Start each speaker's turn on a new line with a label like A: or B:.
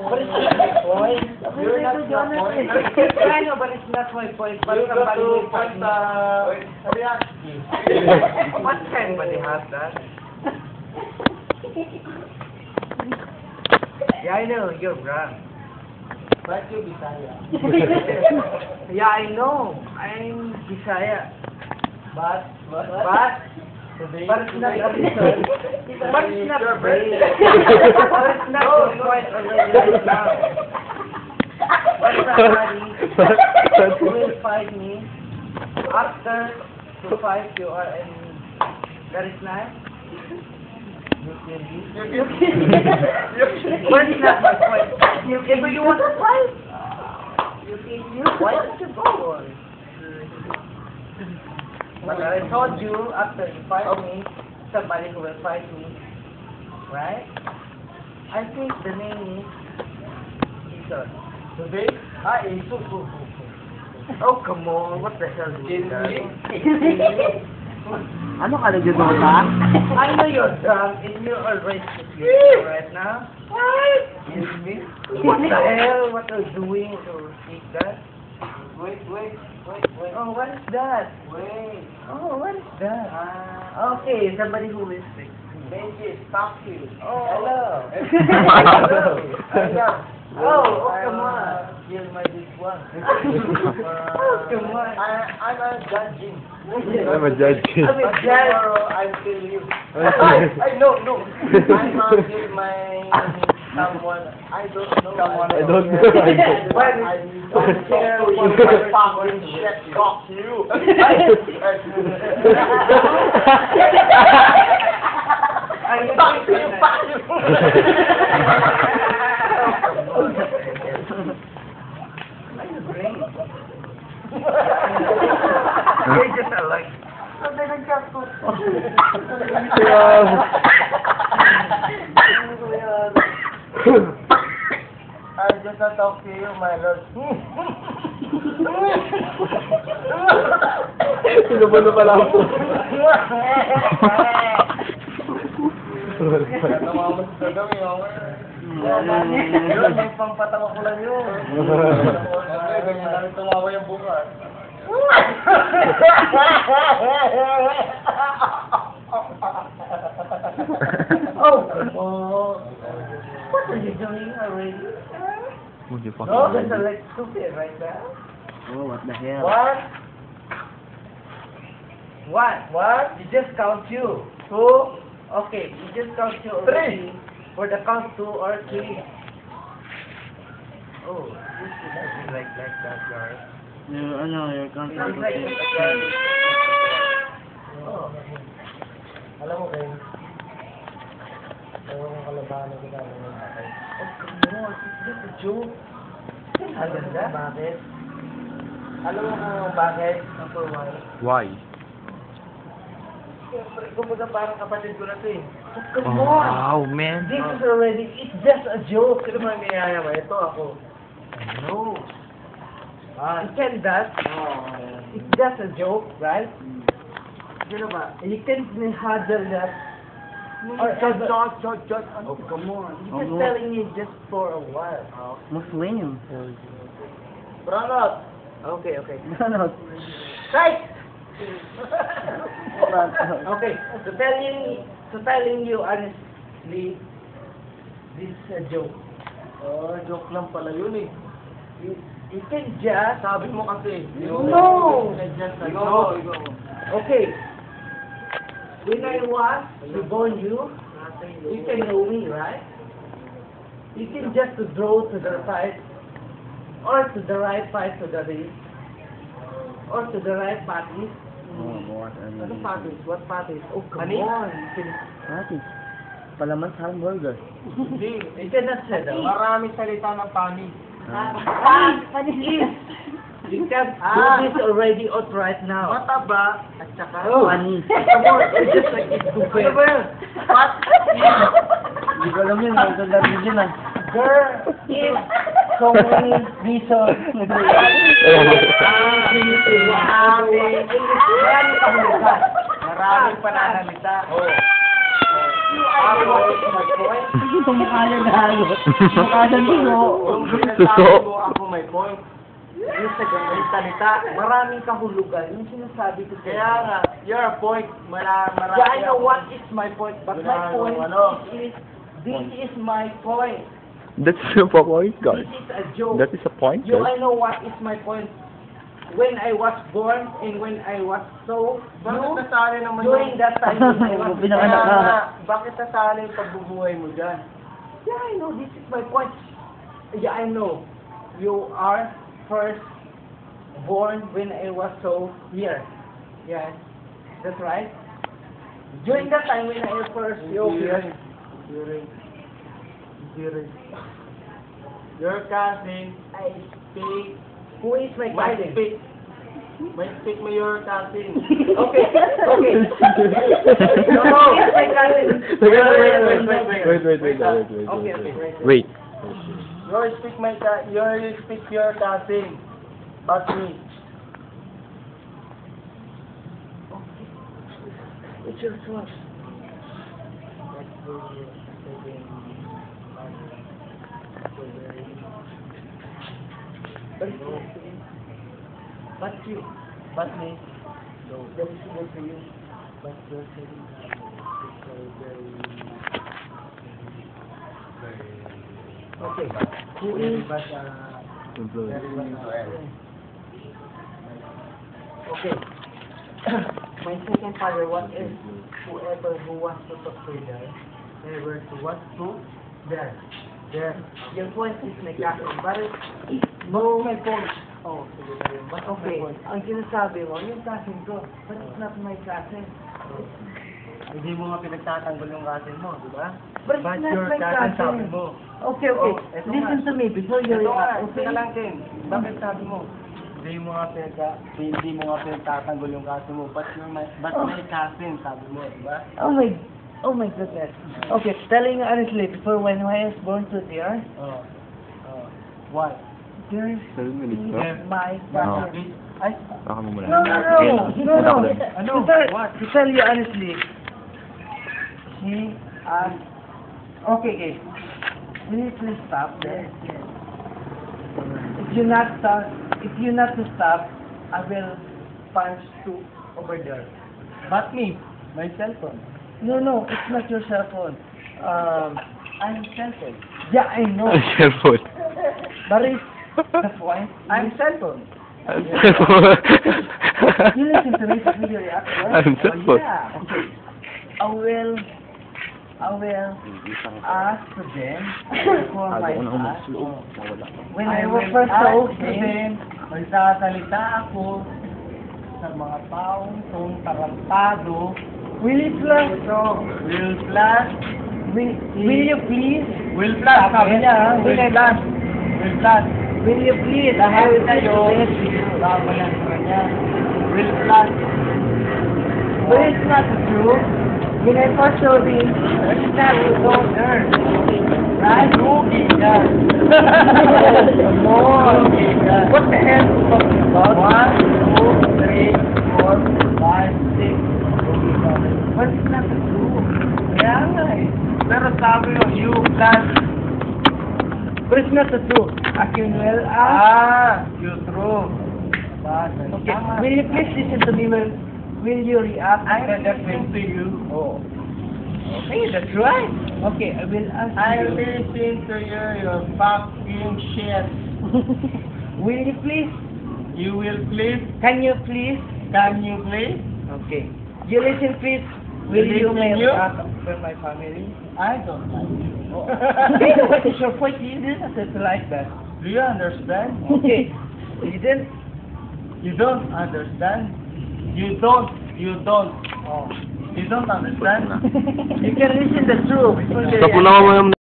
A: But it's not my point. You're not my point. I know, but it's not my point. But somebody will fight me. What kind of has that? Yeah, I know, you're wrong. But you're Bisaya. Yeah, I know. I'm Bisaya. But it's not a reason. But it's not a brain. But it's not your point already right now. But somebody who will fight me after to fight you or any that is nice. You can be. But it's not my point. If you want to fight, why don't you go on? But I told you, after you fight me, somebody who will fight me, right? I think the name is Jason. Today? Isu. Oh, come on. What the hell is that?
B: Ano ka nagdodota?
A: I know you're drunk and you're already sleeping right now. What? What the hell? What are you doing to speak that? Wait. Oh, what is that? Wait. Oh, what is that? Okay, somebody who is sick. Benji, stop you. Oh, hello. Hello. Oh, come on. Kill my this one. Oh, come on. I'm a judging.
C: I'm a judge.
A: I'm a judge. Tomorrow I'll kill you. No. I'm kill my someone. I don't know.
C: I don't know.
A: But I don't care what my fucking shit got you. Fuck You're just like. I just not talk to you, my lord.
C: Sinubuno pala ako.
A: Yun, may pangpatawa ko lang yun. Ganyan namin tumawa yung bukas. Oh, come on. What are you doing already? No, that's like stupid right now.
B: Oh, what the hell?
A: What? You just count you. 2. Okay, you just count you already. 3. For the count 2 or 3. Oh, this is not like that, guys.
B: You're
A: Sounds like
B: confused.
A: that, guys. Oh. Alam mo kayo, yung kalabahan ko namin yung tatay. Oh, come on, it's just a joke. Ang ganda. Bakit? Alam mo kung bakit? For why?
C: Why?
A: Siyempre, kumbaga parang kapatid ko na to eh. Oh, come
C: Oh,
A: on!
C: wow, man.
A: This is already, it's just a joke. Sino man niyaya mo? Ito ako. No. You can that. It's just a joke, right? You know ba? You can handle that. Or judge. Oh, come on. You're just telling me just for a while.
B: Muslim.
A: Pranot. Okay.
B: Ano?
A: Right. Okay. So telling you honestly, this is a joke. Oh, joke lang pala yun eh. You can just... Sabi mo kasi. No! Okay. When I was reborn you can know me, right? You can just draw to the side, or to the right side to the left, or to the right parties. Ano parties? What parties? Oh, come on.
B: Parties. Palaman sa hamburger.
A: Hindi. You cannot say that.
D: Maraming salita ng panis.
A: You can do this already out right now.
D: Mataba at saka
B: Panis.
A: Come on, it's just like it's stupid. Ano ba yun? What?
B: Hindi ko alam yun. Magdadari yun ah.
A: Girl, is so many reasons.
D: maraming pananalita.
A: my point.
B: Itong mukha niya gago. Mukha niya dugo.
D: Kung sinasabi mo ako may point.
A: Yung sa ganyan salita, maraming kahulugan. Yung sinasabi ko
D: Kaya nga, you're a point. Marami.
A: Yeah, I know what is my point, but my
D: Wala,
A: point
D: ano.
A: is, this is my point.
C: That's a point, guys.
A: This is a joke.
C: That is a point,
A: You,
C: guys.
A: I know what is my point. When I was born and when I was so
D: Bakit
A: new,
D: nasali naman
A: during that time when I was
D: Kaya
B: Pinanganak ka.
D: nga, bakit nasali yung pagbubuhay mo dyan?
A: Yeah, I know, this is my point. Yeah, I know. You are first born when I was so here. Yes, that's right. During that time when I was first here,
D: Your cousin
A: I
D: speak,
A: who is my
D: might
A: cousin?
D: speak mo your cousin.
A: Okay, okay. No, who is my cousin?
C: Wait.
A: Okay, okay.
C: Wait.
D: You speak your cousin. But me.
A: It's your choice. But you, but me, that is good for you. But you're saying that it's very, okay. Who is? Okay. My second father, what is whoever who wants to talk to there, never to what to there. There. Your point is my cousin, but no, my point. Oh, sige na yun. But okay, ang sinasabi mo, yung cousin ko, but it's not my cousin.
D: Hindi mo nga pinagtatanggol yung cousin mo, di ba?
A: But it's not
D: your
A: my
D: cousin sabi
A: cousin.
D: mo.
A: Okay, okay.
D: Oh, eto
A: Listen
D: nga.
A: to me before you
D: Ito nga,
A: react.
D: okay
A: Okay?
D: lang Ken. Bakit sabi mo? Hindi mo nga pinagtatanggol yung cousin mo. But my cousin, sabi mo, di ba?
A: Oh my goodness. Okay, telling you honestly, before when I was born to there,
D: Oh. Why?
A: there is my
C: No.
A: cousin.
D: Ay,
C: Baka mo muna.
A: No.
D: Ano?
A: To tell,
D: What?
A: to tell you honestly, she asked, okay, will you please stop there? If you not to stop, I will punch two over there.
D: But me, my cell phone.
A: No, it's not your cell phone.
D: I'm cell phone.
A: Yeah, I know.
C: Cellphone.
A: But it's the point.
D: I'm cell phone.
A: You listen to me before you react, right?
C: I'm cellphone.
A: Yeah. Okay. I will ask to them for my class. When I was first
D: ask
A: to
D: them, magsasalita ako sa mga taong tong tarantado.
A: will you please?
D: Will plus,
A: Will you please?
D: will plus, sabi niya, ha? Will plus, will plus.
A: Will you please?
D: Lahat
A: will
D: kayo,
A: please.
D: tama yan sa kanya. Will plus.
A: But it's not true. When I first saw this, it's not true. Right?
D: Rugi ka.
A: No.
D: Rugi ka.
A: What the hell are you talking about?
D: 1, 2, 3, 4, 5, 6. Rugi ka.
A: But it's not true.
D: Kaya nga eh. Pero sabi mo, you plus.
A: But it's not true. As you well as.
D: You true.
A: Okay. Will you please listen to me? Will you react?
D: I'm listening to you.
A: Oh. Okay, that's right. Okay, I will ask
D: I
A: you.
D: listen to you, your fucking shit.
A: Will you please?
D: You will please?
A: Can you please?
D: Can you please?
A: Okay. You listen, please. Will you
D: Listen,
A: make
D: you?
A: for my family?
D: I don't like you.
A: Okay, what is your point? You didn't say it like that.
D: Do you understand?
A: Okay. You didn't.
D: You don't understand? You don't. Oh. You don't understand?
A: You can listen the truth.
C: Sa punaw mo yung